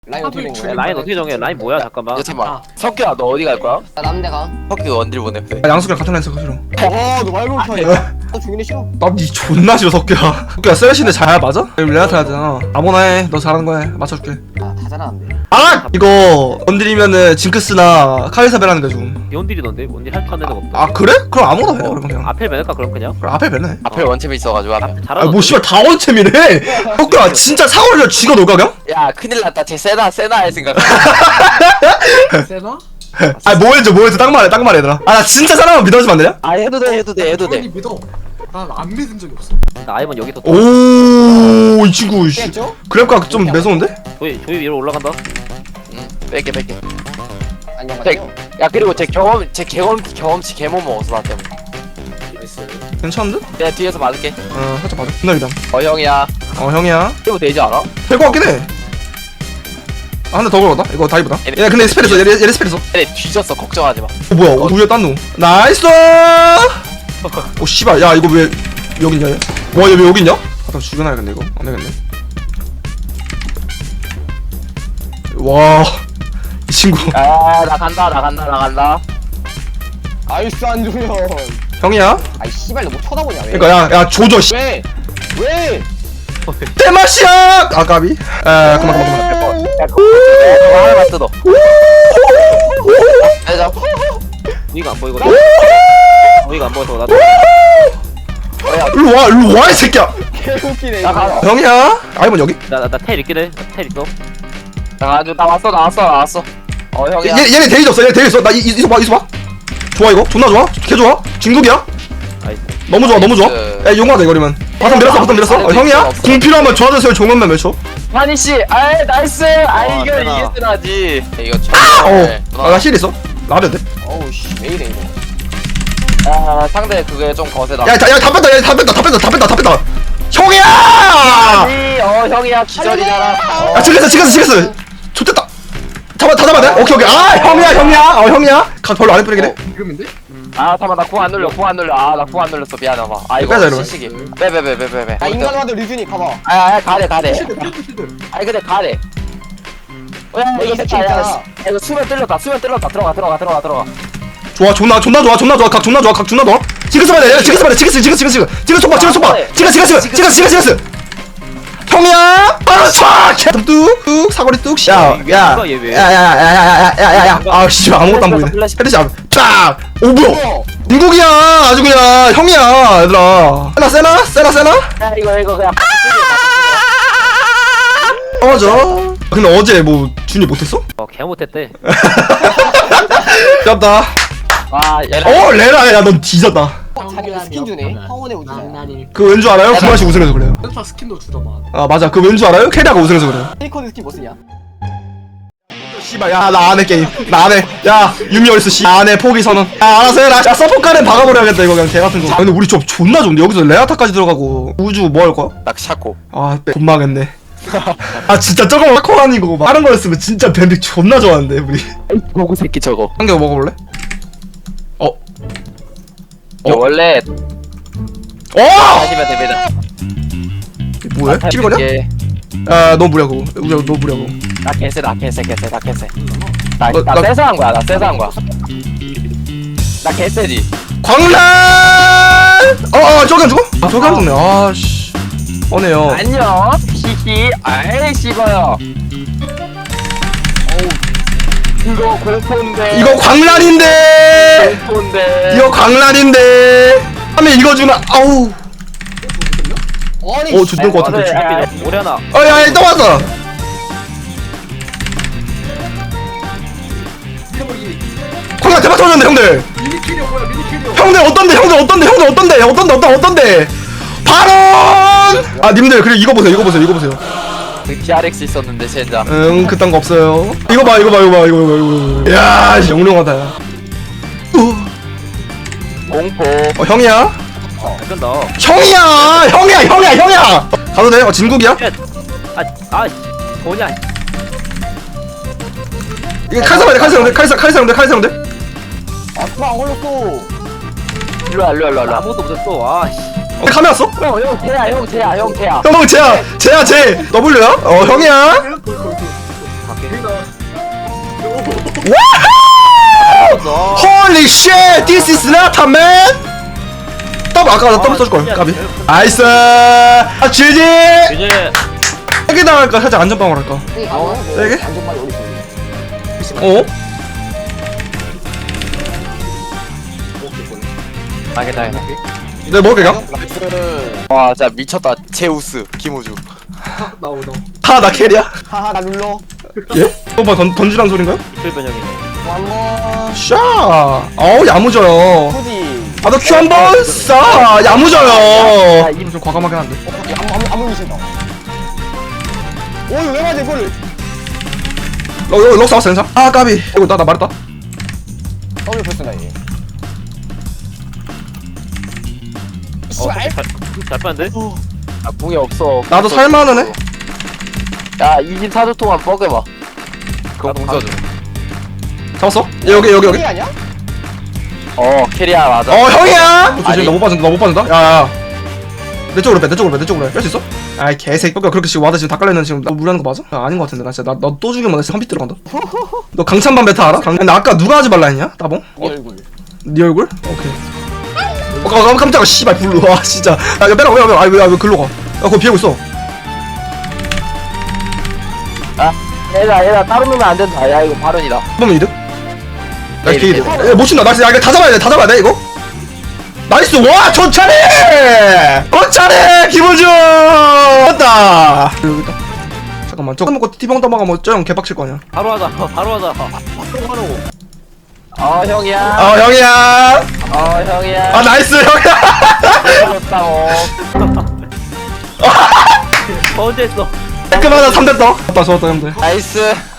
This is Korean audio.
라인 어떻게 된 거야? 라인 어떻게 정해? 라인 뭐야? 잠깐만. 야 잠깐만 석규야 너 어디 갈 거야? 나 남대 가. 석규 원딜 보내. 야, 양석이랑 같은 라인 싫어. 너 말고 너 죽이는 싫어. 나니 존나 싫어 석규야. 석규야 쓰레쉬인데 잘 맞아? 레아트 해야 되잖아. 아무나 해. 너 잘하는 거 해. 맞춰줄게. 다 잘하는데. 아! 이거 건드리면은 징크스나 카이사벨 하는 게 좀. 원딜이던데? 원딜 할줄 아는 애가 없다. 아 그래? 그럼 아무나 해. 그러면 그냥. 앞에 매을까 그럼 그냥? 그럼 앞에 벨네. 앞에 원챔이 있어가지고 하면. 잘하던데? 아뭐 씨발 다 원챔이래. 석규야 진짜 사월이라 쥐가 놀까 그냥? 야 큰일 났다 쟤 세나 할 생각. 세나? 아 뭐 해줘 딱 말해 얘들아. 아 나 진짜 사람만 믿어주면 안 되냐? 아 해도 돼. 아니 믿어. 난 안 믿은 적이 없어. 나 아이번 여기서 오 이 친구 씨. 깼죠? 그랩각 좀 매서운데? 조이 위로 올라간다. 응 뺄게. 안녕. 야 그리고 쟤 경험치 개못 먹었어 나 때문에. 괜찮은데? 내가 뒤에서 맞을게. 어 살짝 봐줘. 존나 기다. 형이야. 형이야. 이거 되지 않아? 될 것 같긴 해. 아 근데 더 걸었다? 이거 다이브다. 얘 근데 스펠 있어. 얘 스펠 있어. 얘네 뒤졌어 걱정하지 마. 뭐야 우유에 딴 놈. 나이스. 오 씨발 야 이거 왜 여기 있냐 얘? 와얘 왜 여기 있냐? 아 죽여놔야겠네 이거. 안 되겠네. 와 이 친구. 나 간다. 아이스 안주면. 형이야? 아이 씨발 너뭐 쳐다보냐 왜? 그러니까 야 조져 씨. 왜? 왜? 대마시야. 아 까비. 아 그만. 야 그거 하나만 뜯어. 내자. 우이가 안 보이거든. 우이가 안 보여서 나도. 일로 와 이 새끼야. 개웃기네. 나 가. 형이야? 아이번 여기? 나텔 있긴 해. 텔 있어. 나 나왔어. 형이야. 얘네 데이지 없어. 얘네 데이지 있어. 나 이소 봐. 좋아 이거. 존나 좋아. 개 좋아. 진국이야. 나이스. 너무 좋아. 야 용하다 이거리면. 바텀 밀었어. 형이야? 공 필요하면 좋아졌어요. 종원만 외쳐. 환희 씨, 아이 나이스. 아이 이거 세나. 이게 세나지. 이거 나 힐 있어. 나면 돼. 어우 씨 왜 이래 이거. 아 상대 그게 좀 거세다. 야 다 뺐다. 형이야! 아니, 형이야 기절이잖아. 야 지켰어. 좋됐다. 다 잡아야 돼? 오케이. 아 형이야. 형이야. 각 별로 안 예쁘게 해. 지금인데? 아 잠깐 나 궁 안 눌려. 아 나 궁 안 눌렸어. 미안하다. 아 빼자, 이거 이러면. 시식이. 빼. 아 인간화도 류준이 가봐. 가래. 아니 근데 가래. 야 이거 이거 됐다. 야, 진짜. 이거 수면 뚫렸다. 들어가. 좋아. 존나 좋아. 각 존나 좋아. 지그스 봐야 돼. 지그스 촉봐. 형이야. 바로 촥. 뚝 사거리 뚝. 야야. 아 씨발 아무것도 안 보이네. 헤드샷 딱. 오 뭐야? 인국이야. 아주 그냥 형이야 얘들아. 세나. 야 이거 그냥. 맞아. 근데 어제 뭐 준이 못했어? 개 못했대. 잡다. 와 얘네. 레라 야넌 뒤졌다. 자기 스킨 주네. 황혼의 우주야. 그 왠 줄 알아요? 구마시 우승해서 그래요. 센터 스킨도 주더만. 아 맞아. 그 왠 줄 알아요? 캐리아가 우승해서 그래요. 페이커드 스킨 뭐 쓰냐? 씨발 야 나 안해 게임. 나 안해. 야 유미 어딨어 씨. 안해 포기 선언. 야 알아서 해라. 야 서포카는 박아버려야겠다 이거 그냥 개같은 거. 근데 우리 좀 존나 좋은데 여기서 레아타까지 들어가고 우주 뭐 할 거야? 딱 샤코. 돈 망했네. 아 진짜 저거 마커 아니고 다른 거였으면 진짜 밴드 존나 좋아하는데 우리. 고구 새끼 저거. 한 개 먹어볼래? 원래 하시면 됩니다. 뭐야? 12거냐? 이게 야너 무리하고 너 무리하고. 나 개세. 나 나- 세서 한 거야. 나 개세지. 광란! 저기 안 죽어? 저기 안 죽네. 아씨. 어네요. 안녕. 히히. 아이 씹어요. 이거 공포인데. 이거 광란인데. 공포인데. 이거 광란인데. 하면 이거 주나? 아우. 아니 죽을 것 같은데. 오래 하나. 야, 또 왔어. 광란 대박 터졌네, 형들. 미니캐리어 뭐야 미니캐리어. 형들 어떤데? 발언! 아, 님들 그래 이거 보세요. 그 TRX 있었는데 젠장. 그딴 거 없어요. 이거 봐. 야, 영롱하다. 야. 공포. 형이야? 된다. 형이야. 가도 돼? 진국이야? 뭐냐? 이게 칼사형들. 아 그만 안 걸렸어. 일로 와. 아무것도 못했어. 카메라 왔어? 형 태야. 형 쟤야. W야? 형이야? Holy shit, this is not a man. 더블 아까 나 더블 써줄 걸. 까비. 나이스. 아 GG. 이제 세게 나갈까 살짝 안전빵으로 할까? 세게? 안전빵이 어디 있어? 어? 당해. 내가 먹을게 그냥. 와 진짜 미쳤다. 제우스 김우주. 나오다. 나 캐리야? 하하 나 눌러. 예? 뭐 던지란 소린가요? 이틀 변형이네. 한번 샤. 어우 야무져요. 굳이. 아 너 큐 한번 쏴. 야무져요. 이름 좀 과감하긴 한데. 아무 미친다. 오 이거 왜 맞아 이거를? 럭 싸웠어 괜찮아? 아 까비. 이거 나 말했다. 더블 패스나 얘. 잘 빠는데? 아 궁이 없어. 나도 살만은 해. 야 24주 동안 뻐겨봐. 그거 궁 써줘. 잡았어? 여기. 이게 아니야? 캐리야 맞아. 형이야. 조심 아니. 너 못 빠진다. 야야. 내 쪽으로 빼. 뺄 수 있어? 아이 개새끼. 그렇게 지금 와다 지금 다 깔려있는 지금 나 무리하는 거 맞아? 아닌 거 같은데 나 진짜 너 또 죽이면 나 진짜 한빛 들어간다. 너 강찬반 베타 알아? 근데 아까 누가 하지 말라 했냐? 따봉? 이 얼굴. 네 얼굴? 오케이. 깜짝아 씨발 불러. 와 진짜. 야 이거 빼라 왜 글로 가? 야 거기 비하고 있어. 얘들아 따로 놓으면 안 된다. 야 이거 발언이다. 한번 이득? 나이스 네, 개이득. 못 친다. 나이스. 야 이거 다 잡아야 돼 이거. 나이스. 와 좋차례. 기분주. 맞다. 여기 있다. 잠깐만 저거 먹고 티병 떠먹으면 저형 개빡칠 거 아니야. 바로 하자. 바로 하자. 형이야. 형이야. 형이야. 아 나이스 형이야. 좋다고. 언제 했어? 깔끔하다 3대 떠. 좋았다 형들. 나이스.